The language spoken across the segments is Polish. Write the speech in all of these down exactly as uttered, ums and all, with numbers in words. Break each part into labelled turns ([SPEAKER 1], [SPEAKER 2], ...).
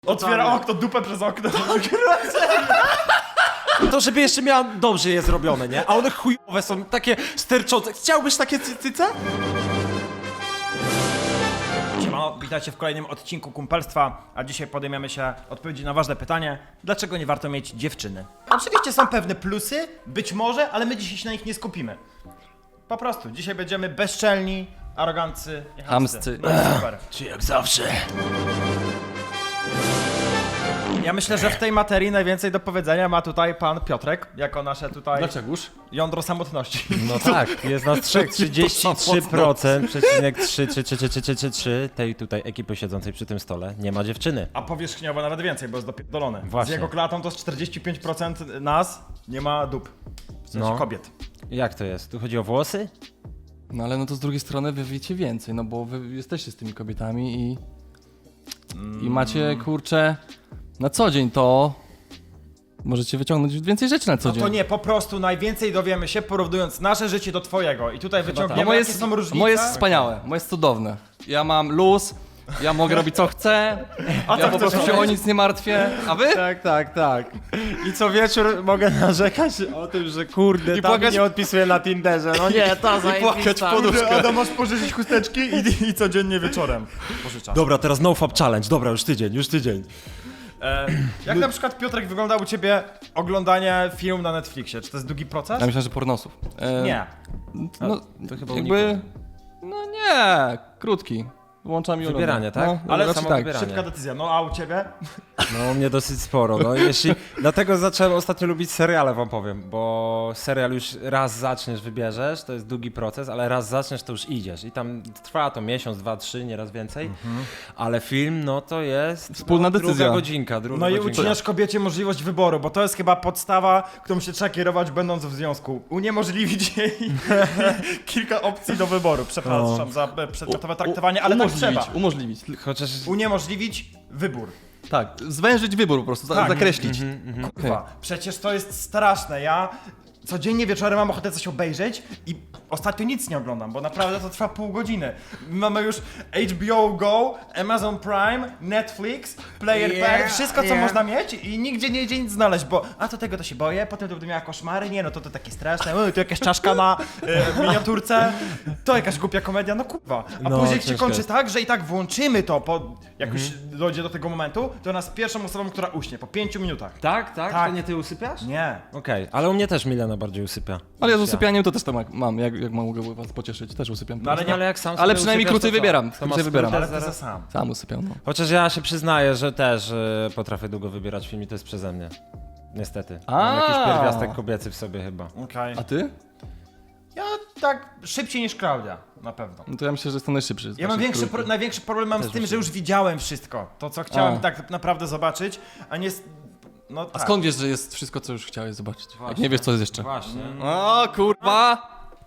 [SPEAKER 1] Otwiera okno, dupę przez okno.
[SPEAKER 2] To żeby jeszcze miała dobrze je zrobione, nie? A one chujowe są, takie sterczące. Chciałbyś takie cyce?
[SPEAKER 1] Siemano, witajcie w kolejnym odcinku Kumpelstwa, a dzisiaj podejmiemy się odpowiedzi na ważne pytanie, dlaczego nie warto mieć dziewczyny? Oczywiście są pewne plusy, być może, ale my dzisiaj się na nich nie skupimy. Po prostu, dzisiaj będziemy bezczelni, arogancy i
[SPEAKER 3] Chamscy.
[SPEAKER 1] No, super.
[SPEAKER 2] Czy jak zawsze.
[SPEAKER 1] Ja myślę, że w tej materii najwięcej do powiedzenia ma tutaj pan Piotrek, jako nasze tutaj
[SPEAKER 3] Dlaczegoż?
[SPEAKER 1] jądro samotności.
[SPEAKER 2] No tak, jest nas trzech, trzydzieści trzy procent, przecinek trzy trzy trzy trzy trzy trzy trzy tej tutaj ekipy siedzącej przy tym stole nie ma dziewczyny.
[SPEAKER 1] A powierzchniowo nawet więcej, bo jest dopierdolone.
[SPEAKER 2] Właśnie.
[SPEAKER 1] Z jego klatą to jest czterdzieści pięć procent nas nie ma dup. W sensie
[SPEAKER 2] No.
[SPEAKER 1] kobiet.
[SPEAKER 2] Jak to jest? Tu chodzi o włosy?
[SPEAKER 3] No ale no to z drugiej strony wy wiecie więcej, no bo wy jesteście z tymi kobietami i... I macie, kurczę, na co dzień to... Możecie wyciągnąć więcej rzeczy na co
[SPEAKER 1] No
[SPEAKER 3] dzień.
[SPEAKER 1] to nie, po prostu najwięcej dowiemy się porównując nasze życie do twojego. I tutaj
[SPEAKER 3] A
[SPEAKER 1] wyciągniemy,
[SPEAKER 3] moje
[SPEAKER 1] jakie
[SPEAKER 3] jest,
[SPEAKER 1] są różnice.
[SPEAKER 3] moje jest wspaniałe, moje jest cudowne. Ja mam luz, ja mogę robić co chcę,
[SPEAKER 1] A
[SPEAKER 3] ja
[SPEAKER 1] co
[SPEAKER 3] po
[SPEAKER 1] chcesz
[SPEAKER 3] prostu się o
[SPEAKER 1] robić?
[SPEAKER 3] nic nie martwię. A wy?
[SPEAKER 2] Tak, tak, tak. I co wieczór mogę narzekać o tym, że kurde,
[SPEAKER 3] I
[SPEAKER 2] tam
[SPEAKER 3] płakać-
[SPEAKER 2] nie odpisuję na Tinderze. No nie, to
[SPEAKER 3] płakać w poduszkę.
[SPEAKER 1] Adam, masz pożyczyć chusteczki i, i codziennie wieczorem pożyczasz.
[SPEAKER 2] Dobra, teraz nofap challenge. Dobra, już tydzień, już tydzień.
[SPEAKER 1] E, jak na przykład, Piotrek, wygląda u ciebie oglądanie filmu na Netflixie? Czy to jest długi proces?
[SPEAKER 3] Ja myślę, że pornosów. E,
[SPEAKER 1] Nie.
[SPEAKER 3] No,
[SPEAKER 2] to chyba
[SPEAKER 3] jakby... No nie, krótki. Włączam i oglądam.
[SPEAKER 2] Wybieranie, tak?
[SPEAKER 3] No,
[SPEAKER 1] Ale
[SPEAKER 3] raczej
[SPEAKER 1] samo
[SPEAKER 3] tak.
[SPEAKER 2] wybieranie.
[SPEAKER 1] Szybka decyzja. No a u ciebie?
[SPEAKER 2] No, u mnie dosyć sporo. No, jeśli... Dlatego zacząłem ostatnio lubić seriale, wam powiem, bo serial już raz zaczniesz, wybierzesz, to jest długi proces, ale raz zaczniesz, to już idziesz. I tam trwa to miesiąc, dwa, trzy, nieraz więcej.
[SPEAKER 1] Mhm.
[SPEAKER 2] Ale film, no to jest...
[SPEAKER 3] Wspólna
[SPEAKER 2] no,
[SPEAKER 3] decyzja.
[SPEAKER 2] Druga godzinka, druga
[SPEAKER 1] No i
[SPEAKER 2] godzinka.
[SPEAKER 1] ucinasz kobiecie możliwość wyboru, bo to jest chyba podstawa, którą się trzeba kierować będąc w związku. Uniemożliwić jej kilka opcji do wyboru. Przepraszam za e, przedmiotowe traktowanie, ale tak
[SPEAKER 3] umożliwić,
[SPEAKER 1] trzeba.
[SPEAKER 3] umożliwić.
[SPEAKER 2] Chociaż...
[SPEAKER 1] Uniemożliwić wybór.
[SPEAKER 3] Tak, zwężyć wybór po prostu,
[SPEAKER 1] Tak.
[SPEAKER 3] zakreślić.
[SPEAKER 1] Kurwa, przecież to jest straszne. Ja codziennie wieczorem mam ochotę coś obejrzeć i ostatnio nic nie oglądam, bo naprawdę to trwa pół godziny. Mamy już H B O Go, Amazon Prime, Netflix, Player
[SPEAKER 2] Yeah,
[SPEAKER 1] Pack, wszystko co
[SPEAKER 2] yeah.
[SPEAKER 1] można mieć i nigdzie nie idzie nic znaleźć, bo a to tego to się boję, potem to będę miała koszmary, nie no to to takie straszne, uj, tu jakaś czaszka na e, miniaturce, to jakaś głupia komedia, no kurwa. A
[SPEAKER 2] No,
[SPEAKER 1] później się
[SPEAKER 2] ciężko
[SPEAKER 1] kończy
[SPEAKER 2] jest.
[SPEAKER 1] tak, że i tak włączymy to, po, jak już dojdzie do tego momentu, to nas pierwszą osobą, która uśnie, po pięciu minutach.
[SPEAKER 2] Tak, tak?
[SPEAKER 1] Tak.
[SPEAKER 2] To nie ty usypiasz?
[SPEAKER 1] Nie.
[SPEAKER 2] Okej, ale u mnie też Milena bardziej usypia.
[SPEAKER 3] Ale ja z usypianiem to też tam jak mam, jak, jak mogę was pocieszyć, też usypiam.
[SPEAKER 1] No ale
[SPEAKER 2] No, ale jak sam
[SPEAKER 3] Ale
[SPEAKER 2] sobie
[SPEAKER 3] przynajmniej
[SPEAKER 2] usypiasz,
[SPEAKER 3] krócej
[SPEAKER 2] to co?
[SPEAKER 3] wybieram,
[SPEAKER 2] To
[SPEAKER 3] krócej
[SPEAKER 2] masz
[SPEAKER 3] wybieram.
[SPEAKER 2] skróty
[SPEAKER 1] Ale ty
[SPEAKER 2] zaraz?
[SPEAKER 1] za sam.
[SPEAKER 3] Sam usypiam, no.
[SPEAKER 2] Chociaż ja się przyznaję, że też y, potrafię długo wybierać film i to jest przeze mnie. Niestety. Mam
[SPEAKER 3] A.
[SPEAKER 2] jakiś pierwiastek kobiecy w sobie chyba.
[SPEAKER 1] Okej.
[SPEAKER 3] A ty?
[SPEAKER 1] Ja tak szybciej niż Klaudia, na pewno.
[SPEAKER 3] No to ja myślę, że jestem najszybszy. z
[SPEAKER 1] Ja mam
[SPEAKER 3] waszych
[SPEAKER 1] większy, pro,
[SPEAKER 3] trójki.
[SPEAKER 1] największy problem mam z tym, że już widziałem wszystko. To, co chciałem
[SPEAKER 3] A.
[SPEAKER 1] tak naprawdę zobaczyć, a nie... s- No
[SPEAKER 3] A
[SPEAKER 1] tak.
[SPEAKER 3] skąd wiesz, że jest wszystko, co już chciałeś zobaczyć? Jak
[SPEAKER 2] Właśnie.
[SPEAKER 3] nie wiesz, co jest jeszcze.
[SPEAKER 2] Właśnie.
[SPEAKER 3] O kurwa!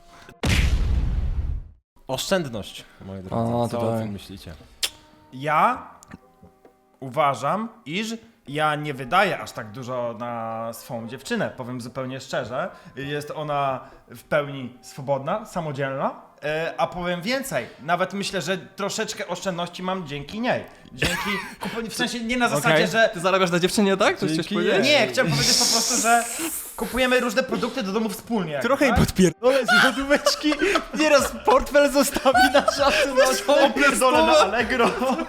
[SPEAKER 2] Oszczędność, moi drodzy.
[SPEAKER 3] O,
[SPEAKER 2] Co
[SPEAKER 3] to
[SPEAKER 2] o
[SPEAKER 3] tak.
[SPEAKER 2] tym myślicie?
[SPEAKER 1] Ja uważam, iż ja nie wydaję aż tak dużo na swą dziewczynę, powiem zupełnie szczerze. Jest ona w pełni swobodna, samodzielna, e, a powiem więcej, nawet myślę, że troszeczkę oszczędności mam dzięki niej. Dzięki, kup- w sensie nie na zasadzie,
[SPEAKER 2] Okej.
[SPEAKER 1] że
[SPEAKER 3] Ty zarabiasz na dziewczynie, tak? Coś chciałeś
[SPEAKER 2] Dzięki
[SPEAKER 3] powiedzieć?
[SPEAKER 1] nie, chciałem powiedzieć po prostu, że kupujemy różne produkty do domu wspólnie.
[SPEAKER 2] Trochę
[SPEAKER 1] tak?
[SPEAKER 2] i podpierdolę z lodóweczki. Nieraz portfel zostawi na szafce na
[SPEAKER 1] Opierdolę na Allegro.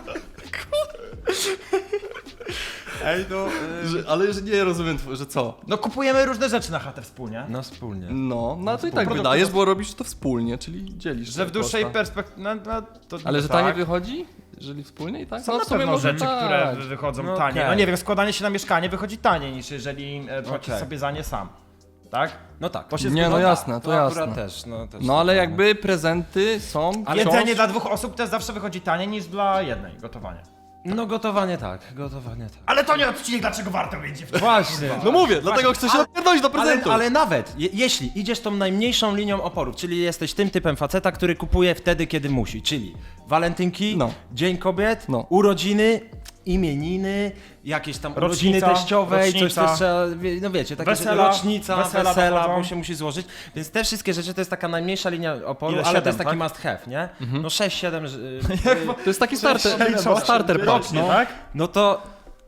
[SPEAKER 2] Ej, no...
[SPEAKER 3] Że, ale że nie rozumiem, tw- że co?
[SPEAKER 1] No kupujemy różne rzeczy na chatę wspólnie.
[SPEAKER 2] No wspólnie.
[SPEAKER 3] No, no to i tak
[SPEAKER 1] Produkty
[SPEAKER 3] wydajesz,
[SPEAKER 1] do-
[SPEAKER 3] bo robisz to wspólnie, czyli dzielisz.
[SPEAKER 1] Że w
[SPEAKER 3] te
[SPEAKER 1] dłuższej
[SPEAKER 3] koszta.
[SPEAKER 1] perspektywie. No, no, to
[SPEAKER 3] Ale że
[SPEAKER 1] tak.
[SPEAKER 3] taniej wychodzi? Jeżeli wspólnie i tak?
[SPEAKER 1] Są
[SPEAKER 3] no,
[SPEAKER 1] na
[SPEAKER 3] w sumie
[SPEAKER 1] pewno
[SPEAKER 3] może
[SPEAKER 1] rzeczy,
[SPEAKER 3] tak.
[SPEAKER 1] które wychodzą
[SPEAKER 2] No
[SPEAKER 1] taniej.
[SPEAKER 2] okej.
[SPEAKER 1] No nie wiem, składanie się na mieszkanie wychodzi taniej niż jeżeli e, płacisz
[SPEAKER 2] Okej.
[SPEAKER 1] sobie za nie sam. Tak?
[SPEAKER 2] No tak.
[SPEAKER 1] To się
[SPEAKER 3] Nie, no
[SPEAKER 1] zgadza.
[SPEAKER 3] jasne, to
[SPEAKER 2] To akurat
[SPEAKER 3] jasne.
[SPEAKER 2] też, no też.
[SPEAKER 3] No ale jakby prezenty są
[SPEAKER 1] Ale
[SPEAKER 3] wciąż...
[SPEAKER 1] jedzenie dla dwóch osób też zawsze wychodzi taniej niż dla jednej, gotowanie.
[SPEAKER 2] No gotowanie tak, gotowanie tak.
[SPEAKER 1] Ale to nie odcinek, dlaczego warto mieć dziewczynę.
[SPEAKER 2] Właśnie.
[SPEAKER 3] No mówię, dlatego chcę się napierdolić do
[SPEAKER 2] Ale,
[SPEAKER 3] prezentu.
[SPEAKER 2] ale nawet, je, jeśli idziesz tą najmniejszą linią oporu, czyli jesteś tym typem faceta, który kupuje wtedy, kiedy musi, czyli walentynki,
[SPEAKER 3] No.
[SPEAKER 2] Dzień Kobiet,
[SPEAKER 3] No.
[SPEAKER 2] urodziny, imieniny, jakieś tam urodziny
[SPEAKER 1] Rocznica,
[SPEAKER 2] teściowe, coś
[SPEAKER 1] rocznica.
[SPEAKER 2] też trzeba, wie- no wiecie, takie
[SPEAKER 1] Wesela,
[SPEAKER 2] rzeczy, rocznica,
[SPEAKER 1] wesela
[SPEAKER 2] wesela,
[SPEAKER 1] dochodzą.
[SPEAKER 2] bo się musi złożyć, więc te wszystkie rzeczy to jest taka najmniejsza linia oporu,
[SPEAKER 1] Ile?
[SPEAKER 2] ale to
[SPEAKER 1] Siedem,
[SPEAKER 2] jest taki
[SPEAKER 1] tak?
[SPEAKER 2] must have, nie? No sześć siedem,
[SPEAKER 3] To jest taki starter,
[SPEAKER 1] Rocznie,
[SPEAKER 3] starter pack,
[SPEAKER 1] rocznie,
[SPEAKER 3] no.
[SPEAKER 1] tak?
[SPEAKER 2] no to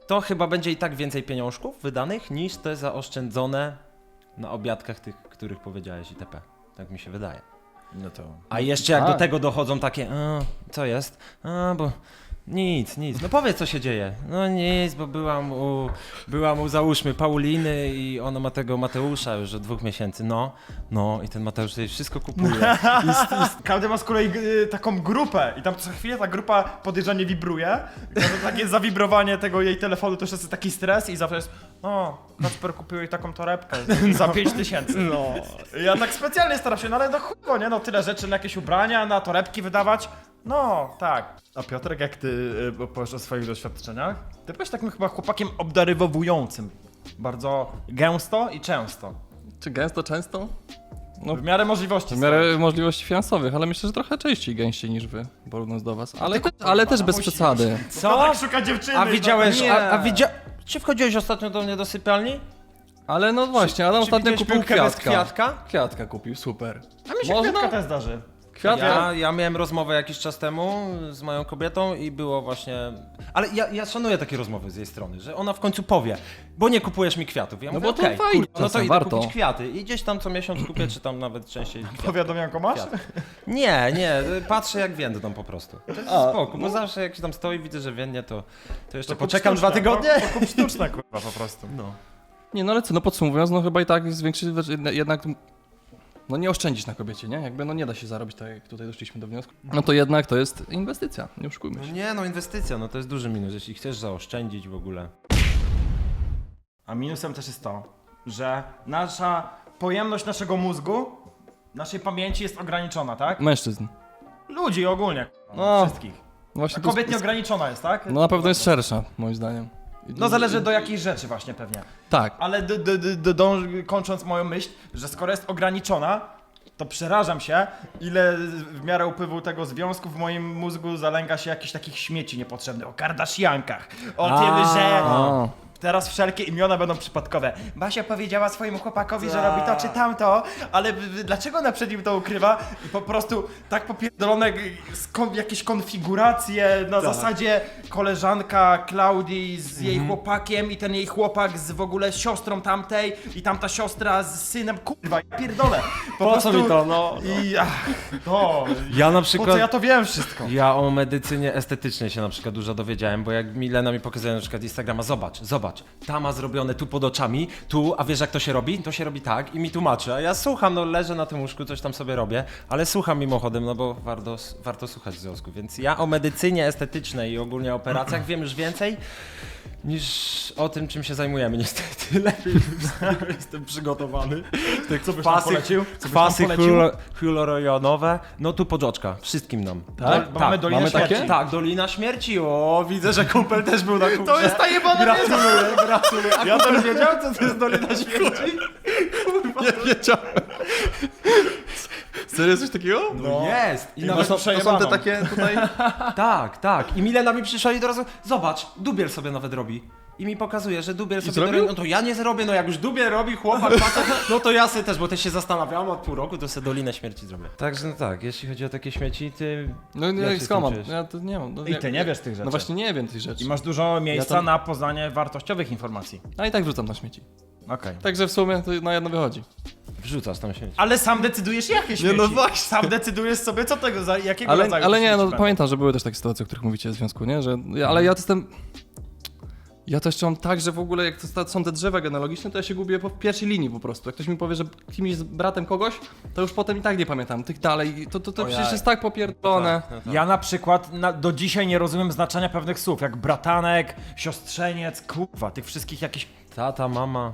[SPEAKER 2] to chyba będzie i tak więcej pieniążków wydanych niż te zaoszczędzone na obiadkach tych, których powiedziałeś itp. Tak mi się wydaje.
[SPEAKER 1] No to...
[SPEAKER 2] A jeszcze jak
[SPEAKER 1] A.
[SPEAKER 2] do tego dochodzą takie, a, co jest? A, bo nic, nic. No powiedz, co się dzieje. No nic, bo byłam u, byłam u załóżmy Pauliny i ona ma tego Mateusza już od dwóch miesięcy. No, no i ten Mateusz sobie wszystko kupuje.
[SPEAKER 1] I, i, każdy ma z kolei y, taką grupę i tam co chwilę ta grupa podejrzanie wibruje. I to takie zawibrowanie tego jej telefonu to już jest taki stres i zawsze jest o, Kacper kupił jej taką torebkę za pięć tysięcy. No. Ja tak specjalnie staram się, no ale no chuj, nie no, tyle rzeczy na jakieś ubrania, na torebki wydawać. No, tak. A Piotrek, jak ty y, opowiesz o swoich doświadczeniach? Ty byłeś takim chyba chłopakiem obdarowującym. Bardzo gęsto i często.
[SPEAKER 3] Czy gęsto, często? No,
[SPEAKER 1] W miarę możliwości.
[SPEAKER 3] w miarę możliwości finansowych, ale myślę, że trochę częściej gęściej niż wy, porównując do was. Ale, te, ale też bez
[SPEAKER 1] musisz.
[SPEAKER 3] przesady.
[SPEAKER 1] Co? Tak szuka dziewczyny.
[SPEAKER 2] A widziałeś,
[SPEAKER 1] no,
[SPEAKER 2] a, a widzia... Czy wchodziłeś ostatnio do mnie do sypialni?
[SPEAKER 3] Ale no właśnie, Adam
[SPEAKER 2] Czy
[SPEAKER 3] ostatnio
[SPEAKER 2] widziałeś
[SPEAKER 3] kupił
[SPEAKER 2] piłkę bez
[SPEAKER 3] kwiatka.
[SPEAKER 2] kwiatka?
[SPEAKER 3] Kwiatka kupił, super.
[SPEAKER 1] A mi się
[SPEAKER 3] Można?
[SPEAKER 1] kwiatka też zdarzy.
[SPEAKER 3] Kwiatka?
[SPEAKER 2] Ja, ja miałem rozmowę jakiś czas temu z moją kobietą i było właśnie... Ale ja, ja szanuję takie rozmowy z jej strony, że ona w końcu powie, bo nie kupujesz mi kwiatów. Ja
[SPEAKER 3] No
[SPEAKER 2] mówię,
[SPEAKER 3] bo to
[SPEAKER 2] okej,
[SPEAKER 3] fajnie
[SPEAKER 2] kurwa, no to
[SPEAKER 3] czasem,
[SPEAKER 2] idę
[SPEAKER 3] warto.
[SPEAKER 2] kupić kwiaty i gdzieś tam co miesiąc kupię, czy tam nawet częściej kwiaty.
[SPEAKER 1] Powiadomianko masz?
[SPEAKER 2] Kwiaty. Nie, nie, patrzę jak więdą po prostu. To jest
[SPEAKER 3] A,
[SPEAKER 2] spoko, bo
[SPEAKER 3] no.
[SPEAKER 2] zawsze jak się tam stoi, widzę, że więdnie, to, to jeszcze
[SPEAKER 1] To kup
[SPEAKER 2] poczekam
[SPEAKER 1] sztuczne,
[SPEAKER 2] dwa tygodnie.
[SPEAKER 1] To, to kup sztuczne, kurwa, po prostu.
[SPEAKER 2] No.
[SPEAKER 3] Nie, no ale co, no podsumowując, no chyba i tak zwiększyć jednak, no nie oszczędzić na kobiecie, nie? Jakby no nie da się zarobić tak, jak tutaj doszliśmy do wniosku. No to jednak to jest inwestycja, nie oszukujmy
[SPEAKER 2] No
[SPEAKER 3] się.
[SPEAKER 2] nie, no inwestycja, no to jest duży minus, jeśli chcesz zaoszczędzić w ogóle.
[SPEAKER 1] A minusem też jest to, że nasza pojemność naszego mózgu, naszej pamięci jest ograniczona, tak?
[SPEAKER 3] Mężczyzn.
[SPEAKER 1] Ludzi ogólnie,
[SPEAKER 3] No.
[SPEAKER 1] wszystkich. A
[SPEAKER 3] Właśnie to
[SPEAKER 1] kobiet
[SPEAKER 3] jest-
[SPEAKER 1] nieograniczona jest, tak?
[SPEAKER 3] No na pewno jest szersza, moim zdaniem. I-
[SPEAKER 1] No zależy do jakiej rzeczy właśnie pewnie.
[SPEAKER 3] Tak.
[SPEAKER 1] Ale d- d- d- d- dąż- kończąc moją myśl, że skoro jest ograniczona, to przerażam się, ile w miarę upływu tego związku w moim mózgu zalęga się jakichś takich śmieci niepotrzebnych. O Kardashiankach, o tym,
[SPEAKER 2] A.
[SPEAKER 1] że
[SPEAKER 3] A.
[SPEAKER 1] teraz wszelkie imiona będą przypadkowe. Basia powiedziała swojemu chłopakowi, że
[SPEAKER 2] Tak.
[SPEAKER 1] robi to czy tamto, ale w- w- dlaczego ona przed nim to ukrywa? I po prostu tak popierdolone g- skon- jakieś konfiguracje na zasadzie koleżanka Klaudii z jej
[SPEAKER 2] Mhm.
[SPEAKER 1] chłopakiem i ten jej chłopak z w ogóle siostrą tamtej i tamta siostra z synem. Kurwa, ja pierdolę. Po,
[SPEAKER 2] co mi to, no?
[SPEAKER 1] I ach, to.
[SPEAKER 2] Ja na
[SPEAKER 1] Po
[SPEAKER 2] przykład...
[SPEAKER 1] co ja to wiem wszystko?
[SPEAKER 2] Ja o medycynie estetycznej się na przykład dużo dowiedziałem, bo jak Milena mi pokazuje na przykład Instagrama, zobacz, zobacz, ta ma zrobione tu pod oczami, tu, a wiesz jak to się robi? To się robi tak i mi tłumaczy, a ja słucham, no leżę na tym łóżku, coś tam sobie robię, ale słucham mimochodem, no bo warto, warto słuchać w związku, więc ja o medycynie estetycznej i ogólnie o operacjach wiem już więcej niż o tym, czym się zajmujemy, niestety. Lepiej już z tego jestem przygotowany. Te
[SPEAKER 1] Co byś nam
[SPEAKER 2] kwasy,
[SPEAKER 1] polecił? Co byś nam
[SPEAKER 2] kwasy
[SPEAKER 1] polecił?
[SPEAKER 2] hylo- hyaluronianowe, no tu podżoczka, wszystkim nam.
[SPEAKER 3] Tak?
[SPEAKER 1] Bo mamy Dolinę
[SPEAKER 3] mamy
[SPEAKER 1] Śmierci.
[SPEAKER 3] takie?
[SPEAKER 2] Tak, Dolina Śmierci. O, widzę, że kumpel też był na kupie.
[SPEAKER 1] To jest ta jebana wiedza!
[SPEAKER 2] Gratuluję, gratuluję. A
[SPEAKER 1] Ja
[SPEAKER 2] kumpel
[SPEAKER 1] też-
[SPEAKER 2] wiedział, co to jest Dolina Śmierci?
[SPEAKER 3] Nie wiedziałem. Serio coś takiego?
[SPEAKER 2] No jest. I
[SPEAKER 1] I
[SPEAKER 2] nawet,
[SPEAKER 1] masz
[SPEAKER 3] To są te
[SPEAKER 1] przejebaną.
[SPEAKER 3] takie tutaj...
[SPEAKER 2] tak, tak. I Milena mi przyszła i od razu, zobacz, Dubiel sobie nawet robi. I mi pokazuje, że Dubiel sobie
[SPEAKER 3] zrobił?
[SPEAKER 2] robi. No to ja nie zrobię, no jak już Dubiel robi, chłopak, facet, no to ja sobie też, bo też się zastanawiałem od pół roku, to sobie Dolinę Śmierci zrobię. Także no tak, jeśli chodzi o takie śmieci, ty...
[SPEAKER 3] No
[SPEAKER 2] Jak
[SPEAKER 3] nie,
[SPEAKER 2] się z tym
[SPEAKER 3] skąd mam?
[SPEAKER 2] czujesz?
[SPEAKER 3] Ja to nie mam. No,
[SPEAKER 1] I ty nie wiesz tych rzeczy.
[SPEAKER 3] No właśnie nie wiem tych rzeczy.
[SPEAKER 1] I masz dużo miejsca
[SPEAKER 3] tam-
[SPEAKER 1] na poznanie wartościowych informacji.
[SPEAKER 3] A i tak wrzucam na śmieci.
[SPEAKER 1] Okej.
[SPEAKER 3] Także w sumie to na jedno wychodzi.
[SPEAKER 2] Wrzucasz tam śmieci.
[SPEAKER 1] Ale sam decydujesz jakie śmieci.
[SPEAKER 3] no właśnie.
[SPEAKER 1] Sam decydujesz sobie co tego, za jakiego
[SPEAKER 3] Ale,
[SPEAKER 1] rodzaju
[SPEAKER 3] ale nie,
[SPEAKER 1] śmieci
[SPEAKER 3] no
[SPEAKER 1] będą.
[SPEAKER 3] pamiętam, że były też takie sytuacje, o których mówicie w związku, nie? Że, ja- ale ja to jestem... Ja to jeszcze mam tak, że w ogóle jak to sta- są te drzewa genealogiczne, to ja się gubię po pierwszej linii po prostu. Jak ktoś mi powie, że kimś jest bratem kogoś, to już potem i tak nie pamiętam. Tych dalej, to, to, to
[SPEAKER 2] O
[SPEAKER 3] przecież
[SPEAKER 2] jaj.
[SPEAKER 3] jest tak popierdolone.
[SPEAKER 2] No tak.
[SPEAKER 1] Ja na przykład na, do dzisiaj nie rozumiem znaczenia pewnych słów, jak bratanek, siostrzeniec, kurwa, tych wszystkich jakichś...
[SPEAKER 2] Tata, mama.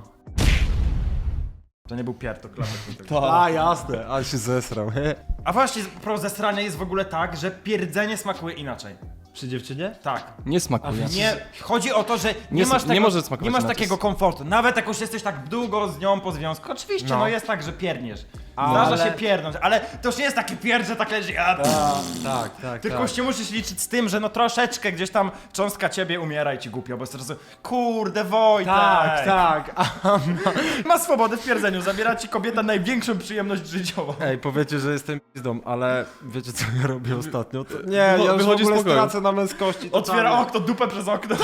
[SPEAKER 1] To nie był pier, to klapek.
[SPEAKER 2] A, jasne, ale się zesrał.
[SPEAKER 1] A właśnie, pro zesrania jest w ogóle tak, że pierdzenie smakuje inaczej.
[SPEAKER 2] Przy dziewczynie?
[SPEAKER 1] Tak.
[SPEAKER 3] Nie smakuje.
[SPEAKER 1] Nie, chodzi o to, że nie,
[SPEAKER 3] Nie
[SPEAKER 1] masz
[SPEAKER 3] sm-
[SPEAKER 1] tego,
[SPEAKER 3] nie może smakować
[SPEAKER 1] nie masz
[SPEAKER 3] inaczej.
[SPEAKER 1] takiego komfortu. Nawet jak już jesteś tak długo z nią po związku. Oczywiście, no,
[SPEAKER 2] No.
[SPEAKER 1] jest tak, że pierniesz. Zdarza
[SPEAKER 2] ale-
[SPEAKER 1] się pierdnąć, ale to już nie jest taki pierd, że tak leży, a,
[SPEAKER 2] Tak, tak,
[SPEAKER 1] tylko
[SPEAKER 2] tak.
[SPEAKER 1] już się musisz liczyć z tym, że no troszeczkę gdzieś tam cząstka ciebie umiera i ci głupio, bo jest teraz kurde Wojtek.
[SPEAKER 2] Tak, tak. A,
[SPEAKER 1] Ma swobodę w pierdzeniu, zabiera ci kobieta największą przyjemność życiową.
[SPEAKER 2] ej, powiecie, że jestem pizdą, ale wiecie co ja robię ostatnio? To... Nie,
[SPEAKER 3] Wycho-
[SPEAKER 2] ja już w
[SPEAKER 3] wychodzi z
[SPEAKER 2] ogóle
[SPEAKER 3] pokoju.
[SPEAKER 2] stracę na męskości.
[SPEAKER 1] Otwiera
[SPEAKER 2] totalnie.
[SPEAKER 1] okno, dupę przez okno.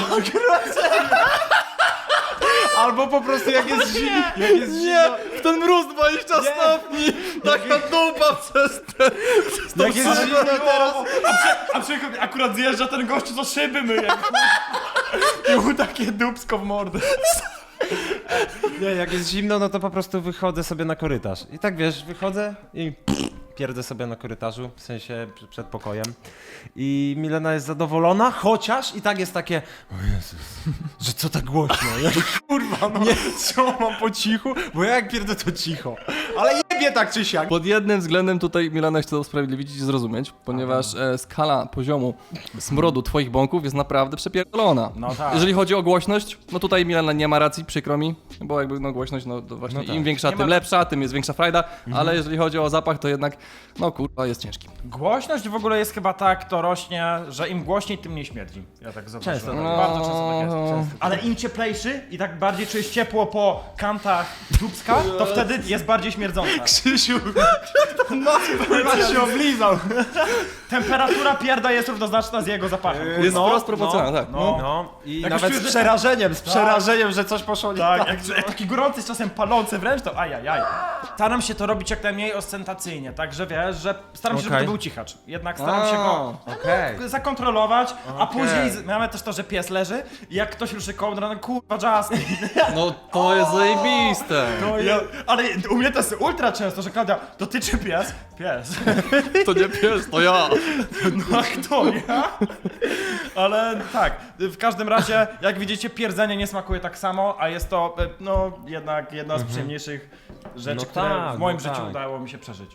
[SPEAKER 2] Albo po prostu jak jest zimno. Jak jest
[SPEAKER 3] Nie, w ten mróz dwadzieścia stopni! Taka dupa przez ten...
[SPEAKER 2] Jak jest zimno teraz.
[SPEAKER 1] A, przy, a przy, akurat zjeżdża ten gościu, co szyby myje. I mu takie dupsko w mordę.
[SPEAKER 2] Nie, jak jest zimno, no to po prostu wychodzę sobie na korytarz. I tak wiesz, wychodzę i pierdę sobie na korytarzu, w sensie pr- przed pokojem. I Milena jest zadowolona, chociaż i tak jest takie, o Jezus, że co tak głośno? Ja kurwa, no nie, co mam po cichu? Bo ja jak pierdę to cicho. Ale jebie tak czy siak.
[SPEAKER 3] Pod jednym względem tutaj Milana chce to usprawiedliwić i zrozumieć, ponieważ e, skala poziomu smrodu twoich bąków jest naprawdę przepierdolona.
[SPEAKER 1] No tak.
[SPEAKER 3] Jeżeli chodzi o głośność, no tutaj Milana nie ma racji, przykro mi, bo jakby no głośność, no to właśnie
[SPEAKER 2] No tak.
[SPEAKER 3] im większa,
[SPEAKER 1] Nie
[SPEAKER 3] tym
[SPEAKER 1] ma-
[SPEAKER 3] lepsza, tym jest większa frajda, ale jeżeli chodzi o zapach, to jednak, no kurwa, jest ciężki.
[SPEAKER 1] Głośność w ogóle jest chyba tak, to rośnie, że im głośniej, tym mniej śmierdzi. Ja tak zauważyłem.
[SPEAKER 2] Często
[SPEAKER 1] Tak,
[SPEAKER 3] tak.
[SPEAKER 1] Bardzo często tak jest.
[SPEAKER 3] No.
[SPEAKER 1] Ale im cieplejszy i tak bardziej czujesz ciepło po kantach dubska, to wtedy jest bardziej śmierdząca.
[SPEAKER 2] Krzysiu, chyba się oblizał.
[SPEAKER 1] Temperatura pierda jest równoznaczna z jego zapachem.
[SPEAKER 3] Jest
[SPEAKER 2] no,
[SPEAKER 3] wprost proporcjonalna, tak.
[SPEAKER 1] no.
[SPEAKER 2] No i
[SPEAKER 1] Jak
[SPEAKER 2] nawet
[SPEAKER 1] już
[SPEAKER 2] z
[SPEAKER 1] czujesz,
[SPEAKER 2] przerażeniem, z przerażeniem, że coś poszło nie
[SPEAKER 1] Tak,
[SPEAKER 2] tak.
[SPEAKER 1] jak, jak taki gorący, czasem palący wręcz, to ajajaj. Staram się to robić jak najmniej ostentacyjnie, także wiesz, że staram się, żeby
[SPEAKER 2] Okej.
[SPEAKER 1] to był cichacz. Jednak staram się go
[SPEAKER 2] Okej.
[SPEAKER 1] zakontrolować, a
[SPEAKER 2] Okej.
[SPEAKER 1] później z- mamy też to, że pies leży i jak ktoś ruszy kołdrą, no kurwa Justin.
[SPEAKER 3] No to jest zajebiste.
[SPEAKER 1] Ja, ale u mnie to jest ultra często, że Klaudia, to ty czy pies? Pies.
[SPEAKER 3] To nie pies, to ja.
[SPEAKER 1] No a kto, ja? Ale tak, w każdym razie, jak widzicie, pierdzenie nie smakuje tak samo, a jest to, e, no, jednak jedna z przyjemniejszych rzeczy,
[SPEAKER 2] No
[SPEAKER 1] które
[SPEAKER 2] tak,
[SPEAKER 1] w moim
[SPEAKER 2] no
[SPEAKER 1] życiu
[SPEAKER 2] tak.
[SPEAKER 1] udało mi się przeżyć.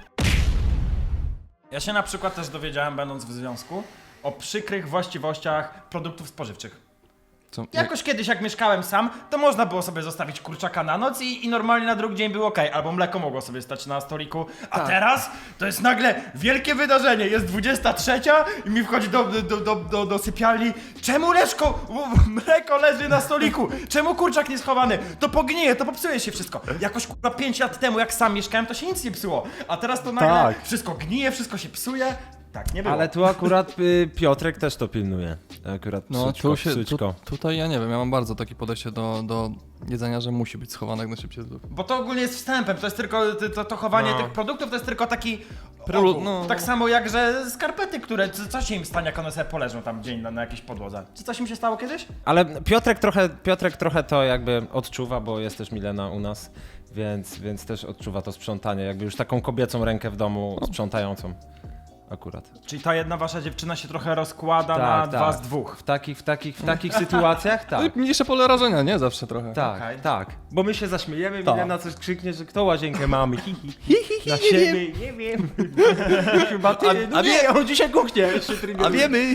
[SPEAKER 1] Ja się na przykład też dowiedziałem, będąc w związku, o przykrych właściwościach produktów spożywczych.
[SPEAKER 3] Co?
[SPEAKER 1] Jakoś kiedyś, jak mieszkałem sam, to można było sobie zostawić kurczaka na noc i, i normalnie na drugi dzień było ok, albo mleko mogło sobie stać na stoliku. A
[SPEAKER 2] Tak.
[SPEAKER 1] teraz to jest nagle wielkie wydarzenie. Jest dwudziesta trzecia i mi wchodzi do, do, do, do, do sypialni. Czemu Leszko, u- mleko leży na stoliku? Czemu kurczak nie schowany? To pognije, to popsuje się wszystko. Jakoś kurwa pięć lat temu, jak sam mieszkałem, to się nic nie psuło. A teraz to nagle
[SPEAKER 2] Tak.
[SPEAKER 1] wszystko gnije, wszystko się psuje. Tak, nie było.
[SPEAKER 2] Ale tu akurat y, Piotrek też to pilnuje. Akurat
[SPEAKER 3] No
[SPEAKER 2] psućko,
[SPEAKER 3] tu się, tu,
[SPEAKER 2] psućko.
[SPEAKER 3] tutaj ja nie wiem, ja mam bardzo takie podejście do, do jedzenia, że musi być schowane jak najszybciej z lufy.
[SPEAKER 1] Bo to ogólnie jest wstępem, to jest tylko, to, to, to chowanie
[SPEAKER 2] No.
[SPEAKER 1] tych produktów, to jest tylko taki
[SPEAKER 3] Prelu-
[SPEAKER 1] ogół.
[SPEAKER 3] no.
[SPEAKER 1] Tak samo jak, że skarpety, które, co, co się im stanie, jak one sobie poleżą tam dzień na, na jakiejś podłodze? Czy coś im się stało kiedyś?
[SPEAKER 2] Ale Piotrek trochę, Piotrek trochę to jakby odczuwa, bo jest też Milena u nas, więc, więc też odczuwa to sprzątanie, jakby już taką kobiecą rękę w domu sprzątającą. Akurat.
[SPEAKER 1] Czyli ta jedna wasza dziewczyna się trochę rozkłada
[SPEAKER 2] Tak,
[SPEAKER 1] na
[SPEAKER 2] tak.
[SPEAKER 1] dwa z dwóch.
[SPEAKER 2] W takich, w takich, w takich sytuacjach
[SPEAKER 3] No
[SPEAKER 2] tak.
[SPEAKER 3] i mniejsze pole rażenia, nie? Zawsze trochę.
[SPEAKER 2] Tak,
[SPEAKER 1] Okej.
[SPEAKER 2] tak. Bo my się zaśmiejemy,
[SPEAKER 3] Tak.
[SPEAKER 2] Milena coś krzyknie, że kto łazienkę mamy, hi, hi, hi, hi, na siebie, nie wiem. Chyba ty,
[SPEAKER 3] A-
[SPEAKER 2] no
[SPEAKER 3] a
[SPEAKER 2] nie,
[SPEAKER 3] wie-
[SPEAKER 2] on dzisiaj kuchnie.
[SPEAKER 3] A wiemy!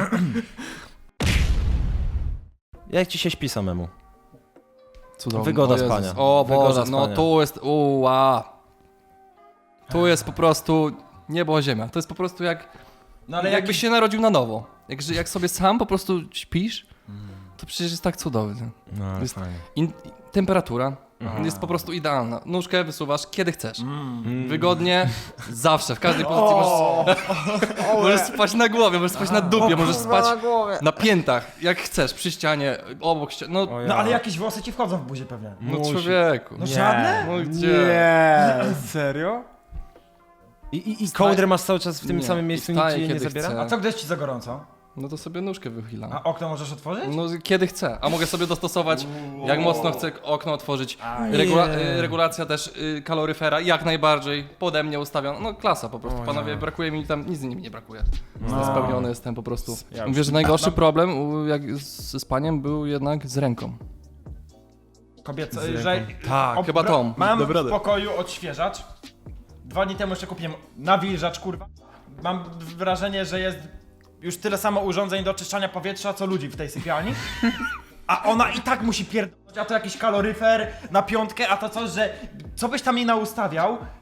[SPEAKER 2] Jak ci się śpi samemu?
[SPEAKER 3] Cudownie.
[SPEAKER 2] Wygoda
[SPEAKER 3] O Jezus.
[SPEAKER 2] spania.
[SPEAKER 3] O
[SPEAKER 2] Wygoda
[SPEAKER 3] Boże, no
[SPEAKER 2] spania.
[SPEAKER 3] tu jest, uła. Tu jest po prostu niebo ziemia. To jest po prostu jak,
[SPEAKER 1] No ale
[SPEAKER 3] jakbyś
[SPEAKER 1] jak
[SPEAKER 3] się narodził na nowo. Jak, że- jak sobie sam po prostu śpisz, to przecież jest tak cudownie.
[SPEAKER 2] No,
[SPEAKER 3] Jest-
[SPEAKER 2] fajnie.
[SPEAKER 3] In, temperatura jest po prostu idealna. Nóżkę wysuwasz kiedy chcesz. Wygodnie, zawsze, w każdej pozycji możesz, możesz spać na głowie, możesz spać na dupie, możesz spać na piętach, jak chcesz, przy ścianie, obok ściany. No,
[SPEAKER 2] O ja.
[SPEAKER 1] No ale jakieś włosy ci wchodzą w buzię pewnie.
[SPEAKER 3] no
[SPEAKER 2] musi.
[SPEAKER 3] człowieku.
[SPEAKER 1] No żadne?
[SPEAKER 3] No gdzie?
[SPEAKER 2] Nie, serio? I, i, i
[SPEAKER 3] Wstaje-
[SPEAKER 2] kołdrę masz cały czas w tym
[SPEAKER 3] Nie,
[SPEAKER 2] samym
[SPEAKER 3] i
[SPEAKER 2] miejscu, nikt
[SPEAKER 3] wstaje,
[SPEAKER 2] ci jej nie
[SPEAKER 3] kiedy
[SPEAKER 2] zabiera?
[SPEAKER 3] chce.
[SPEAKER 1] A co, gdy jest ci za gorąco?
[SPEAKER 3] No to sobie nóżkę wychylam.
[SPEAKER 1] A okno możesz otworzyć?
[SPEAKER 3] No kiedy chcę, a mogę sobie dostosować, jak mocno chcę okno otworzyć.
[SPEAKER 1] Aj.
[SPEAKER 3] Regula
[SPEAKER 2] Nie.
[SPEAKER 3] y, regulacja też y, kaloryfera, jak najbardziej, pode mnie ustawiona. No klasa po prostu,
[SPEAKER 2] O
[SPEAKER 3] panowie,
[SPEAKER 2] ja.
[SPEAKER 3] brakuje mi tam, nic mi nie brakuje.
[SPEAKER 1] No.
[SPEAKER 3] Spełniony jestem po prostu.
[SPEAKER 1] Ja już-
[SPEAKER 3] Mówię, że najgorszy
[SPEAKER 1] No.
[SPEAKER 3] problem u- jak z, ze spaniem był jednak z ręką.
[SPEAKER 1] Kobieco,
[SPEAKER 2] Z
[SPEAKER 1] że...
[SPEAKER 2] ręką. Tak,
[SPEAKER 1] ob-
[SPEAKER 3] chyba Tom.
[SPEAKER 1] Mam
[SPEAKER 3] Dobra
[SPEAKER 1] w
[SPEAKER 3] radę.
[SPEAKER 1] pokoju odświeżacz. Dwa dni temu jeszcze kupiłem nawilżacz, kurwa. Mam wrażenie, że jest już tyle samo urządzeń do oczyszczania powietrza, co ludzi w tej sypialni. A ona i tak musi pierdolić, a to jakiś kaloryfer na piątkę, a to coś, że co byś tam jej naustawiał,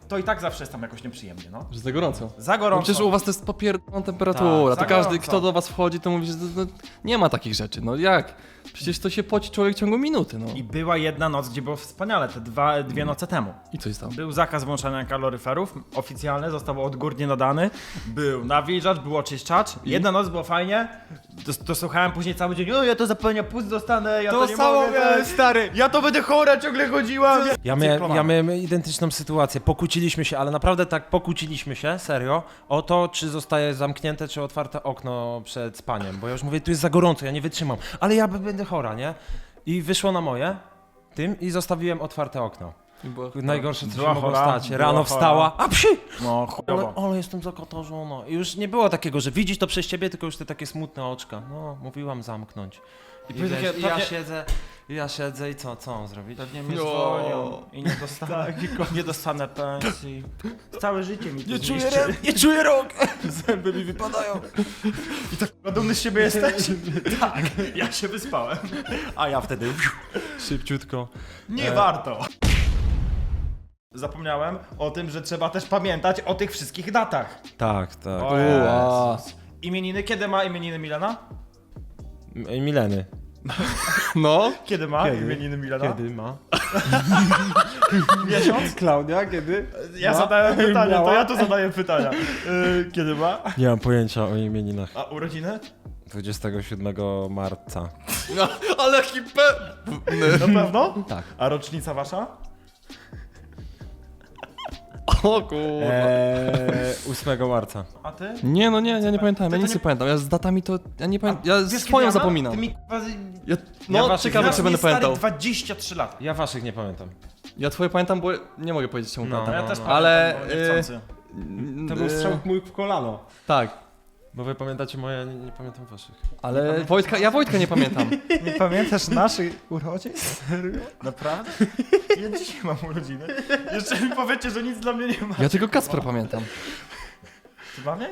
[SPEAKER 1] to i tak zawsze jest tam jakoś nieprzyjemnie, no.
[SPEAKER 3] Że za gorąco.
[SPEAKER 1] Za
[SPEAKER 3] No
[SPEAKER 1] gorąco.
[SPEAKER 3] przecież u was to jest popierdolona temperatura,
[SPEAKER 1] Tak, za
[SPEAKER 3] to każdy,
[SPEAKER 1] gorąco.
[SPEAKER 3] kto do was wchodzi, to mówi, że no, nie ma takich rzeczy, no jak? Przecież to się poci człowiek w ciągu minuty, no.
[SPEAKER 1] I była jedna noc, gdzie było wspaniale, te dwa, dwie noce temu.
[SPEAKER 3] I co jest tam?
[SPEAKER 1] Był zakaz włączania kaloryferów, oficjalny, został odgórnie nadany. Był nawilżacz, był oczyszczacz. Jedna noc było fajnie, to, to słuchałem później cały dzień, o ja to zapalenia pust dostanę, ja to, nie mogę, tak.
[SPEAKER 2] stary.
[SPEAKER 1] Ja to będę chora, ciągle chodziłam.
[SPEAKER 2] Ja miałem, ja miałem identyczną sytuację. Pokłóciliśmy się, ale naprawdę tak pokłóciliśmy się, serio, o to, czy zostaje zamknięte, czy otwarte okno przed spaniem. Bo ja już mówię, tu jest za gorąco, ja nie wytrzymam. Ale ja b- będę chora, nie? I wyszło na moje tym i zostawiłem otwarte okno.
[SPEAKER 3] I było-
[SPEAKER 2] Najgorsze, co
[SPEAKER 1] Była
[SPEAKER 2] się mogło
[SPEAKER 1] chora,
[SPEAKER 2] stać.
[SPEAKER 1] była
[SPEAKER 2] Rano
[SPEAKER 1] chora.
[SPEAKER 2] wstała, a psi!
[SPEAKER 1] No
[SPEAKER 2] Ale,
[SPEAKER 1] chujowo.
[SPEAKER 2] ale jestem zakotarzona. I już nie było takiego, że widzisz to przez ciebie, tylko już te takie smutne oczka. No, mówiłam zamknąć. I,
[SPEAKER 1] I takie-
[SPEAKER 2] wiesz, i ja
[SPEAKER 1] pewnie-
[SPEAKER 2] siedzę, i ja siedzę i co, co mam zrobić?
[SPEAKER 1] Pewnie mnie
[SPEAKER 3] No.
[SPEAKER 1] zwolnią i nie dostanę, nie dostanę pensji. Całe życie mi to
[SPEAKER 2] Nie czuję,
[SPEAKER 1] zniszczy.
[SPEAKER 2] rę- nie czuję rąk! Zęby mi wypadają.
[SPEAKER 1] Dumny z siebie jesteś? Tak, ja się wyspałem.
[SPEAKER 2] A ja wtedy szybciutko.
[SPEAKER 1] Nie
[SPEAKER 2] E.
[SPEAKER 1] warto. Zapomniałem o tym, że trzeba też pamiętać o tych wszystkich datach.
[SPEAKER 2] Tak, tak.
[SPEAKER 1] O
[SPEAKER 3] Ua.
[SPEAKER 1] Jezus. Imieniny, kiedy ma imieniny Milena?
[SPEAKER 2] M- Mileny.
[SPEAKER 3] No,
[SPEAKER 1] Kiedy ma
[SPEAKER 2] Kiedy?
[SPEAKER 1] imieniny Milena?
[SPEAKER 2] Kiedy ma?
[SPEAKER 1] Miesiąc?
[SPEAKER 2] Klaudia, kiedy?
[SPEAKER 1] Ja
[SPEAKER 2] Ma?
[SPEAKER 1] zadałem pytanie, to
[SPEAKER 2] Miała?
[SPEAKER 1] ja tu zadaję pytania. Yy, kiedy ma?
[SPEAKER 2] Nie mam pojęcia o imieninach.
[SPEAKER 1] A urodziny?
[SPEAKER 2] dwudziestego siódmego marca.
[SPEAKER 3] no ale jaki pe...
[SPEAKER 1] Na pewno?
[SPEAKER 2] Tak.
[SPEAKER 1] A rocznica wasza?
[SPEAKER 3] O kurwa.
[SPEAKER 2] Eee, ósmego marca.
[SPEAKER 1] A ty?
[SPEAKER 3] Nie, no nie, ja nie pamiętam,
[SPEAKER 1] Ty
[SPEAKER 3] ja
[SPEAKER 1] to
[SPEAKER 3] nic
[SPEAKER 1] nie-
[SPEAKER 3] nie pamiętam, ja z datami to, ja nie pamiętam, ja
[SPEAKER 1] Wiesz, kiedy
[SPEAKER 3] swoją
[SPEAKER 1] ja mam?
[SPEAKER 3] zapominam.
[SPEAKER 1] Ty mi kurwa...
[SPEAKER 3] Ja,
[SPEAKER 2] Ja
[SPEAKER 3] no,
[SPEAKER 2] waszych
[SPEAKER 3] ciekawe,
[SPEAKER 2] znam.
[SPEAKER 3] czy będę
[SPEAKER 1] stary
[SPEAKER 3] pamiętał.
[SPEAKER 1] dwadzieścia trzy lata.
[SPEAKER 2] Ja waszych nie pamiętam.
[SPEAKER 3] Ja twoje pamiętam, bo nie mogę powiedzieć czemu
[SPEAKER 2] No.
[SPEAKER 1] No,
[SPEAKER 3] pamiętam.
[SPEAKER 1] ja też
[SPEAKER 2] no.
[SPEAKER 1] pamiętam,
[SPEAKER 3] Ale,
[SPEAKER 1] bo niechcący.
[SPEAKER 2] To był strzał mój w kolano.
[SPEAKER 3] Tak,
[SPEAKER 2] Bo wy pamiętacie moje, nie, nie pamiętam waszych.
[SPEAKER 3] ale Wojtka, ja Wojtka nie pamiętam.
[SPEAKER 1] Nie pamiętasz naszych urodzin? Serio? Naprawdę? Ja dzisiaj mam urodziny. Jeszcze mi powiecie, że nic dla mnie nie ma.
[SPEAKER 3] Ja tylko Kacpra pamiętam.
[SPEAKER 1] Ty mamy?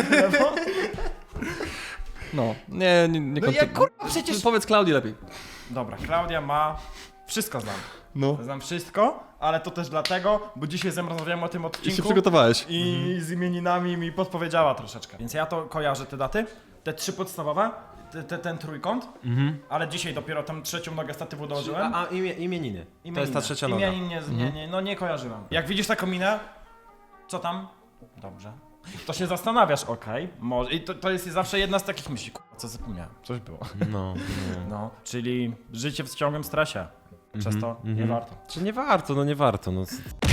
[SPEAKER 3] No, nie, nie, nie
[SPEAKER 1] No ja
[SPEAKER 3] kontynu-
[SPEAKER 1] kurwa przecież...
[SPEAKER 3] Powiedz Klaudii lepiej.
[SPEAKER 1] Dobra, Klaudia ma... Wszystko znam.
[SPEAKER 3] No.
[SPEAKER 1] Znam wszystko, ale to też dlatego, bo dzisiaj ze mną rozmawiałem o tym
[SPEAKER 3] I się
[SPEAKER 1] odcinku
[SPEAKER 3] przygotowałeś.
[SPEAKER 1] i z imieninami mi podpowiedziała troszeczkę. Więc ja to kojarzę te daty, te trzy podstawowe, te, te, ten trójkąt,
[SPEAKER 2] Mhm.
[SPEAKER 1] ale dzisiaj dopiero tą trzecią nogę statywu dołożyłem.
[SPEAKER 2] A, a imie, imieniny. To jest ta
[SPEAKER 1] Imieniny.
[SPEAKER 2] trzecia noga.
[SPEAKER 1] Imienin nie, nie, nie, no nie kojarzyłem. Jak widzisz taką minę, co tam? Dobrze. To się zastanawiasz, okej, może. I to, to jest zawsze jedna z takich myśli, kurwa, co zapomniałem, coś było.
[SPEAKER 2] No, no.
[SPEAKER 1] No, czyli życie w ciągłym stresie. Przez
[SPEAKER 2] Mhm,
[SPEAKER 1] to nie
[SPEAKER 2] mhm.
[SPEAKER 1] warto.
[SPEAKER 2] Czy nie warto, no nie warto. No.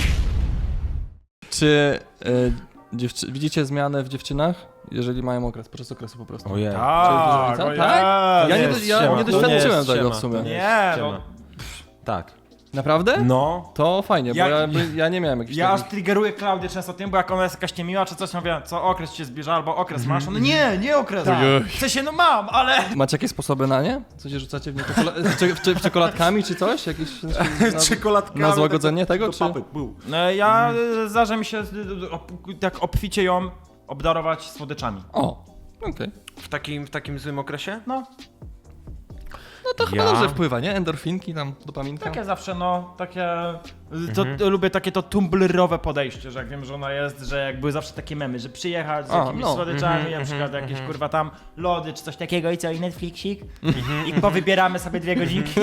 [SPEAKER 3] Czy y, dziewczy- widzicie zmianę w dziewczynach, jeżeli mają okres, podczas okresu po prostu?
[SPEAKER 2] Ojej.
[SPEAKER 1] Tak,
[SPEAKER 3] Czy-
[SPEAKER 1] o
[SPEAKER 3] tak?
[SPEAKER 1] Jezu.
[SPEAKER 3] Ja nie,
[SPEAKER 2] jest
[SPEAKER 3] ja
[SPEAKER 2] ściema,
[SPEAKER 3] nie
[SPEAKER 2] to
[SPEAKER 3] doświadczyłem
[SPEAKER 2] jest
[SPEAKER 3] tego
[SPEAKER 2] ściema,
[SPEAKER 3] w sumie.
[SPEAKER 2] to nie
[SPEAKER 1] Nie,
[SPEAKER 2] jest
[SPEAKER 1] no.
[SPEAKER 2] ściema. Tak.
[SPEAKER 3] Naprawdę?
[SPEAKER 2] No.
[SPEAKER 3] To fajnie, bo
[SPEAKER 1] Jak-
[SPEAKER 3] ja, ja nie miałem jakichś
[SPEAKER 1] Ja aż
[SPEAKER 3] takich...
[SPEAKER 1] triggeruję Klaudię często tym, bo jak ona jest jakaś niemiła czy coś, ja mówię, co okres ci się zbliża, albo okres masz. No nie, nie okres.
[SPEAKER 3] Tak.
[SPEAKER 1] W sensie, no mam, ale...
[SPEAKER 3] Macie jakieś sposoby na nie? Co się rzucacie w nie czekola- czy, czy, czekoladkami czy coś? Jakieś na,
[SPEAKER 2] Czekoladkami.
[SPEAKER 3] na złagodzenie tego, czy...
[SPEAKER 1] No, ja mhm. zdarza mi się y, op, tak obficie ją obdarować słodyczami.
[SPEAKER 3] O, okej.
[SPEAKER 2] W takim, w takim złym okresie?
[SPEAKER 1] No,
[SPEAKER 3] No to chyba
[SPEAKER 2] Ja?
[SPEAKER 3] dobrze wpływa, nie? Endorfinki tam, dopaminka.
[SPEAKER 1] takie zawsze, no, takie... To, to, lubię takie to tumblerowe podejście, że jak wiem, że ona jest, że jak były zawsze takie memy, że przyjechać z
[SPEAKER 3] A,
[SPEAKER 1] jakimiś
[SPEAKER 3] no.
[SPEAKER 1] słodyczami, na przykład jakieś kurwa tam lody czy coś takiego i co, i Netflixik i powybieramy sobie dwie godzinki.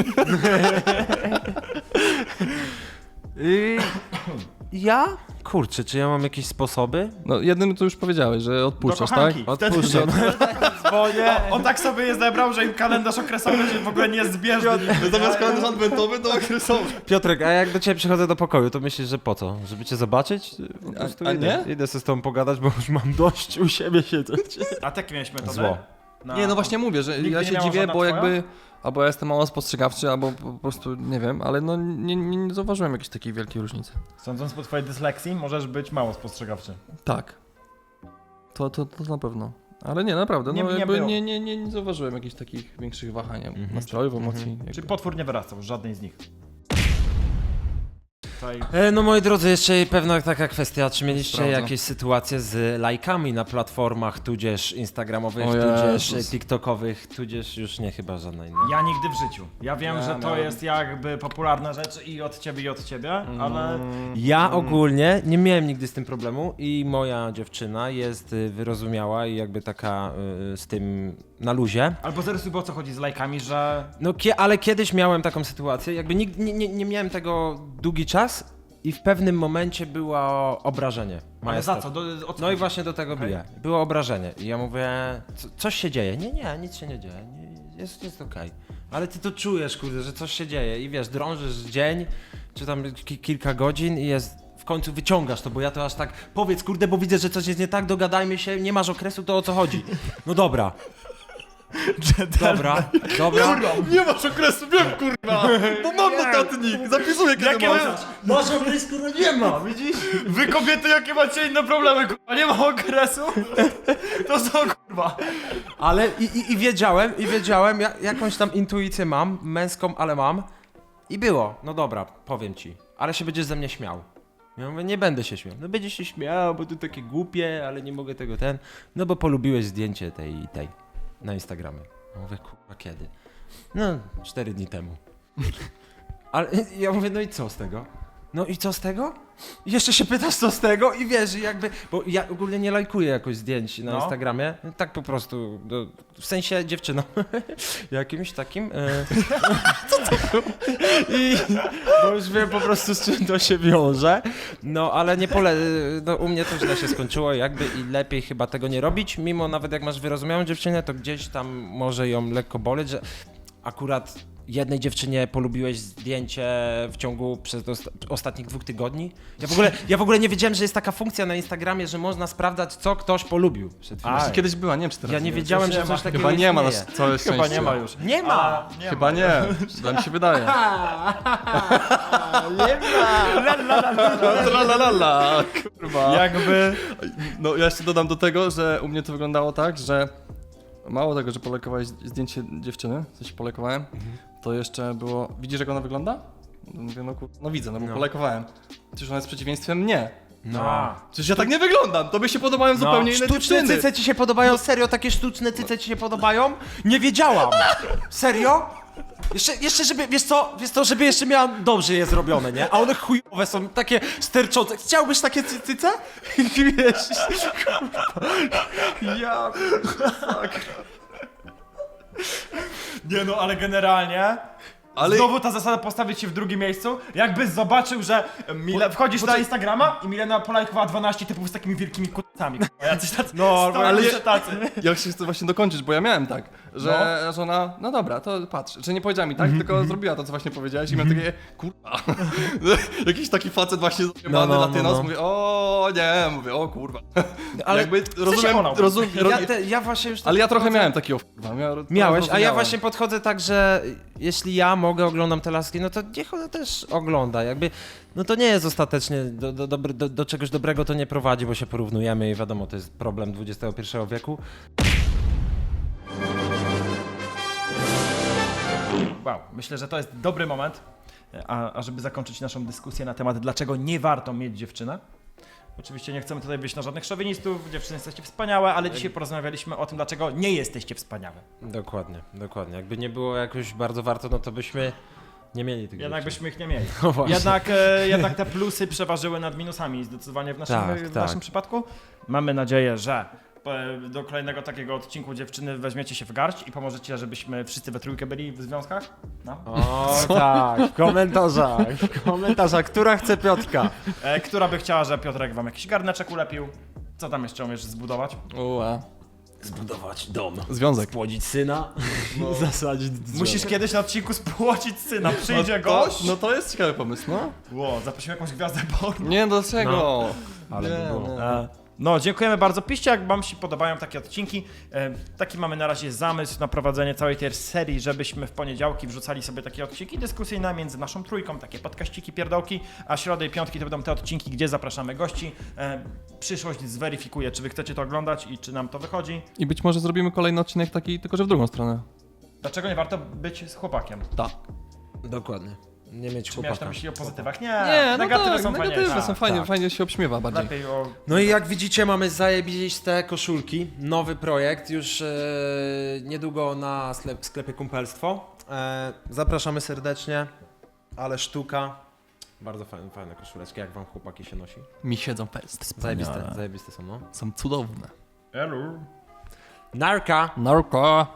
[SPEAKER 2] Y, ja? Kurczę, czy ja mam jakieś sposoby?
[SPEAKER 3] No jednym to już powiedziałeś, że odpuszczasz,
[SPEAKER 1] Do
[SPEAKER 3] tak?
[SPEAKER 1] kochanki. Wtedy-
[SPEAKER 2] Odpuszczam.
[SPEAKER 1] Dzwonię. On, on tak sobie je zebrał, że im kalendarz okresowy się w ogóle nie jest zbieżny.
[SPEAKER 3] Zamiast kalendarz adwentowy to okresowy.
[SPEAKER 2] Piotrek, a jak do ciebie przychodzę do pokoju, to myślisz, że po co? Żeby cię zobaczyć? Po prostu
[SPEAKER 3] a
[SPEAKER 2] idę,
[SPEAKER 3] nie?
[SPEAKER 2] idę sobie z tobą pogadać, bo już mam dość u siebie siedzieć.
[SPEAKER 1] A takie miałeś metodę?
[SPEAKER 2] Zło.
[SPEAKER 1] Na-
[SPEAKER 3] Nie, no właśnie mówię, że
[SPEAKER 1] Nigdy
[SPEAKER 3] ja
[SPEAKER 1] nie
[SPEAKER 3] się
[SPEAKER 1] miała
[SPEAKER 3] dziwię,
[SPEAKER 1] żadna
[SPEAKER 3] bo
[SPEAKER 1] twoja?
[SPEAKER 3] jakby... Albo ja jestem mało spostrzegawczy, albo po prostu nie wiem, ale no nie, nie, nie zauważyłem jakiejś takiej wielkiej różnicy.
[SPEAKER 1] Sądząc po twojej dysleksji, możesz być mało spostrzegawczy.
[SPEAKER 3] Tak. To, to, to na pewno. Ale nie, naprawdę,
[SPEAKER 1] Nie-
[SPEAKER 3] no
[SPEAKER 1] nie
[SPEAKER 3] jakby
[SPEAKER 1] było.
[SPEAKER 3] nie, nie, nie, nie zauważyłem jakichś takich większych wahań
[SPEAKER 2] Mhm.
[SPEAKER 3] nastrojów, emocji.
[SPEAKER 1] Czy
[SPEAKER 3] jakby.
[SPEAKER 1] potwór nie wyrastał z żadnej z nich? tutaj...
[SPEAKER 2] E, No moi drodzy, jeszcze pewna taka kwestia, czy mieliście
[SPEAKER 3] Sprawdzam.
[SPEAKER 2] jakieś sytuacje z lajkami na platformach, tudzież instagramowych,
[SPEAKER 3] O
[SPEAKER 2] tudzież
[SPEAKER 3] Jezus.
[SPEAKER 2] e, tiktokowych, tudzież już nie chyba żadna inna.
[SPEAKER 1] Ja nigdy w życiu. Ja wiem,
[SPEAKER 3] Ja
[SPEAKER 1] że to
[SPEAKER 3] miałem.
[SPEAKER 1] jest jakby popularna rzecz i od ciebie, i od ciebie, ale...
[SPEAKER 2] Ja ogólnie nie miałem nigdy z tym problemu i moja dziewczyna jest y, wyrozumiała i jakby taka y, z tym na luzie.
[SPEAKER 1] Albo zarysuj, bo o co chodzi z lajkami, że...
[SPEAKER 2] No kie, ale kiedyś miałem taką sytuację, jakby nig, nie, nie, nie miałem tego długi czas i w pewnym momencie było obrażenie.
[SPEAKER 1] Ale
[SPEAKER 2] majestat.
[SPEAKER 1] za co? Do, o co
[SPEAKER 2] No i
[SPEAKER 1] chodzi?
[SPEAKER 2] właśnie do tego
[SPEAKER 1] Okej.
[SPEAKER 2] biję. Było obrażenie i ja mówię, co, coś się dzieje. Nie, nie, nic się nie dzieje, nie, jest, jest okej. Ale ty to czujesz, kurde, że coś się dzieje i wiesz, drążysz dzień, czy tam ki kilka godzin i jest, w końcu wyciągasz to, bo ja to aż tak, powiedz kurde, bo widzę, że coś jest nie tak, dogadajmy się, nie masz okresu, to o co chodzi? No dobra. Dobra, dobra.
[SPEAKER 3] Nie masz okresu, wiem kurwa! Bo mam notatnik, zapisuję kiedy
[SPEAKER 1] Jakie
[SPEAKER 3] masz.
[SPEAKER 1] masz? Masz okres, kurwa, nie ma, widzisz? Wy kobiety, jakie macie inne problemy, kurwa, nie ma okresu? To są, kurwa.
[SPEAKER 2] Ale i, i, i wiedziałem, i wiedziałem, ja, jakąś tam intuicję mam, męską, ale mam. I było, no dobra, powiem ci, ale się będziesz ze mnie śmiał. Ja mówię, nie będę się śmiał. No będziesz się śmiał, bo to takie głupie, ale nie mogę tego ten. No bo polubiłeś zdjęcie tej i tej na Instagramie. Ja mówię, kurwa, kiedy? No, cztery dni temu. Ale ja mówię, no i co z tego? No i co z tego? I jeszcze się pytasz, co z tego? I wiesz, jakby, bo ja ogólnie nie lajkuję jakoś zdjęć na
[SPEAKER 1] No.
[SPEAKER 2] Instagramie, tak po prostu, do, w sensie dziewczyną, jakimś takim. E, I bo już wiem po prostu, z czym to się wiąże, no ale nie pole, no u mnie to źle się skończyło jakby i lepiej chyba tego nie robić, mimo nawet jak masz wyrozumiałą dziewczynę, to gdzieś tam może ją lekko boleć, że akurat jednej dziewczynie polubiłeś zdjęcie w ciągu przez osta- ostatnich dwóch tygodni. Ja w, ogóle, ja w ogóle nie wiedziałem, że jest taka funkcja na Instagramie, że można sprawdzać, co ktoś polubił przed chwilą.
[SPEAKER 1] A,
[SPEAKER 3] Kiedyś była, nie wiem czy teraz
[SPEAKER 2] Ja nie
[SPEAKER 3] jest.
[SPEAKER 2] wiedziałem,
[SPEAKER 1] nie
[SPEAKER 2] że
[SPEAKER 1] ma.
[SPEAKER 2] coś takiego
[SPEAKER 3] Chyba nie ma na
[SPEAKER 2] istnieje.
[SPEAKER 3] całe
[SPEAKER 1] Chyba
[SPEAKER 3] szczęście.
[SPEAKER 1] nie ma już.
[SPEAKER 2] Nie ma!
[SPEAKER 1] A, nie
[SPEAKER 3] Chyba
[SPEAKER 1] ma.
[SPEAKER 3] nie, tak mi się wydaje. Tralalala, kurwa.
[SPEAKER 1] Jakby...
[SPEAKER 3] No ja jeszcze dodam do tego, że u mnie to wyglądało tak, że mało tego, że polekowałeś zdjęcie dziewczyny, coś polekowałem, to jeszcze było, widzisz jak ona wygląda? No mówię, no, kur... no widzę, no bo
[SPEAKER 2] No.
[SPEAKER 3] polekowałem. Przecież ona jest przeciwieństwem mnie.
[SPEAKER 1] No.
[SPEAKER 3] Przecież ja tak nie wyglądam, tobie się podobają zupełnie inne
[SPEAKER 2] Sztuczne
[SPEAKER 3] dziewczyny.
[SPEAKER 2] cyce ci się podobają? Serio, takie sztuczne cyce ci się podobają? Nie wiedziałam! Serio? Jeszcze, jeszcze żeby, wiesz co, wiesz co, żeby jeszcze miała dobrze je zrobione, nie? A one chujowe są, takie sterczące. Chciałbyś takie cy- cyce? Wiesz, ja...
[SPEAKER 1] Nie no, ale generalnie...
[SPEAKER 3] Ale-
[SPEAKER 1] Znowu ta zasada postawić się w drugim miejscu. Jakbyś zobaczył, że Mile... wchodzisz na Instagrama i Milena polajkowała dwanaście typów z takimi wielkimi kutcami. kurwa, Jacyś tacy.
[SPEAKER 2] No,
[SPEAKER 1] ale
[SPEAKER 3] ale-
[SPEAKER 1] tacy.
[SPEAKER 3] Ja się chcę właśnie dokończyć, bo ja miałem tak, że żona, no dobra, to patrz, że nie powiedziała mi tak, tylko zrobiła to, co właśnie powiedziałeś i miałem takie, kurwa, jakiś taki facet właśnie zajebany
[SPEAKER 2] No, no,
[SPEAKER 3] latynos,
[SPEAKER 2] no, no.
[SPEAKER 3] mówię, o nie, mówię, o kurwa.
[SPEAKER 2] Ale
[SPEAKER 3] Jakby rozumiem,
[SPEAKER 1] olał.
[SPEAKER 3] rozum,
[SPEAKER 2] ja,
[SPEAKER 3] ro-
[SPEAKER 2] te, ja właśnie już...
[SPEAKER 3] ale ja trochę
[SPEAKER 2] podchodzę-
[SPEAKER 3] miałem takiego kurwa. Miał,
[SPEAKER 2] Miałeś, a ja
[SPEAKER 3] rozumiałem.
[SPEAKER 2] właśnie podchodzę tak, że jeśli ja mogę, oglądam te laski, no to niech ona też ogląda, jakby, no to nie jest ostatecznie, do, do, dobry- do, do czegoś dobrego to nie prowadzi, bo się porównujemy i wiadomo, to jest problem dwudziestego pierwszego wieku.
[SPEAKER 1] Wow, myślę, że to jest dobry moment, a, a żeby zakończyć naszą dyskusję na temat, dlaczego nie warto mieć dziewczynę. Oczywiście nie chcemy tutaj wyjść na żadnych szowinistów, dziewczyny jesteście wspaniałe, ale dzisiaj porozmawialiśmy o tym, dlaczego nie jesteście wspaniałe.
[SPEAKER 2] Dokładnie, dokładnie. Jakby nie było jakoś bardzo warto, no to byśmy nie mieli tych
[SPEAKER 1] Jednak
[SPEAKER 2] dziewczyn.
[SPEAKER 1] byśmy ich nie mieli.
[SPEAKER 2] No właśnie.
[SPEAKER 1] Jednak, e, jednak te plusy przeważyły nad minusami zdecydowanie w naszym,
[SPEAKER 2] Tak,
[SPEAKER 1] w
[SPEAKER 2] tak.
[SPEAKER 1] naszym przypadku. Mamy nadzieję, że e, do kolejnego takiego odcinku dziewczyny weźmiecie się w garść i pomożecie, żebyśmy wszyscy we trójkę byli w związkach. No.
[SPEAKER 2] O tak, w komentarzach, w komentarzach, która chce Piotrka?
[SPEAKER 1] E, która by chciała, że Piotrek wam jakiś garneczek ulepił. Co tam jeszcze umiesz zbudować?
[SPEAKER 3] Ua.
[SPEAKER 2] Zbudować dom,
[SPEAKER 3] Związek.
[SPEAKER 2] spłodzić syna, zasadzić
[SPEAKER 1] Musisz kiedyś na odcinku spłodzić syna. Przyjdzie
[SPEAKER 3] no to,
[SPEAKER 1] gość.
[SPEAKER 3] no to jest ciekawy pomysł, no.
[SPEAKER 1] Ło, zaprosimy jakąś gwiazdę porno.
[SPEAKER 3] Nie, dlaczego?
[SPEAKER 2] No. Ale
[SPEAKER 3] nie,
[SPEAKER 2] by było.
[SPEAKER 3] nie.
[SPEAKER 1] E, No, dziękujemy bardzo. Piszcie, jak wam się podobają takie odcinki. E, taki mamy na razie zamysł na prowadzenie całej tej serii, żebyśmy w poniedziałki wrzucali sobie takie odcinki dyskusyjne między naszą trójką, takie podkaściki, pierdołki, a środy i piątki to będą te odcinki, gdzie zapraszamy gości. E, przyszłość zweryfikuje, czy wy chcecie to oglądać i czy nam to wychodzi.
[SPEAKER 3] I być może zrobimy kolejny odcinek taki, tylko że w drugą stronę.
[SPEAKER 1] Dlaczego nie warto być z chłopakiem?
[SPEAKER 3] Tak.
[SPEAKER 2] Dokładnie. Nie mieć
[SPEAKER 1] Czy miałeś
[SPEAKER 2] chłopaka.
[SPEAKER 1] na myśli o pozytywach? Nie,
[SPEAKER 3] Nie, no
[SPEAKER 1] negatywy
[SPEAKER 3] tak,
[SPEAKER 1] są
[SPEAKER 3] negatywne
[SPEAKER 1] fajniejsze.
[SPEAKER 3] są fajnie,
[SPEAKER 2] tak.
[SPEAKER 3] fajnie się obśmiewa bardziej.
[SPEAKER 1] Lepiej o...
[SPEAKER 2] No i jak widzicie, mamy zajebiste koszulki, nowy projekt, już e, niedługo na sklep, sklepie Kumpelstwo. E, zapraszamy serdecznie, ale sztuka. Bardzo fajne, fajne koszuleczki, jak wam chłopaki się nosi.
[SPEAKER 3] Mi siedzą pest.
[SPEAKER 2] Zajebiste, zajebiste są, no.
[SPEAKER 3] Są cudowne.
[SPEAKER 1] Elu.
[SPEAKER 2] Narka!
[SPEAKER 3] Narko.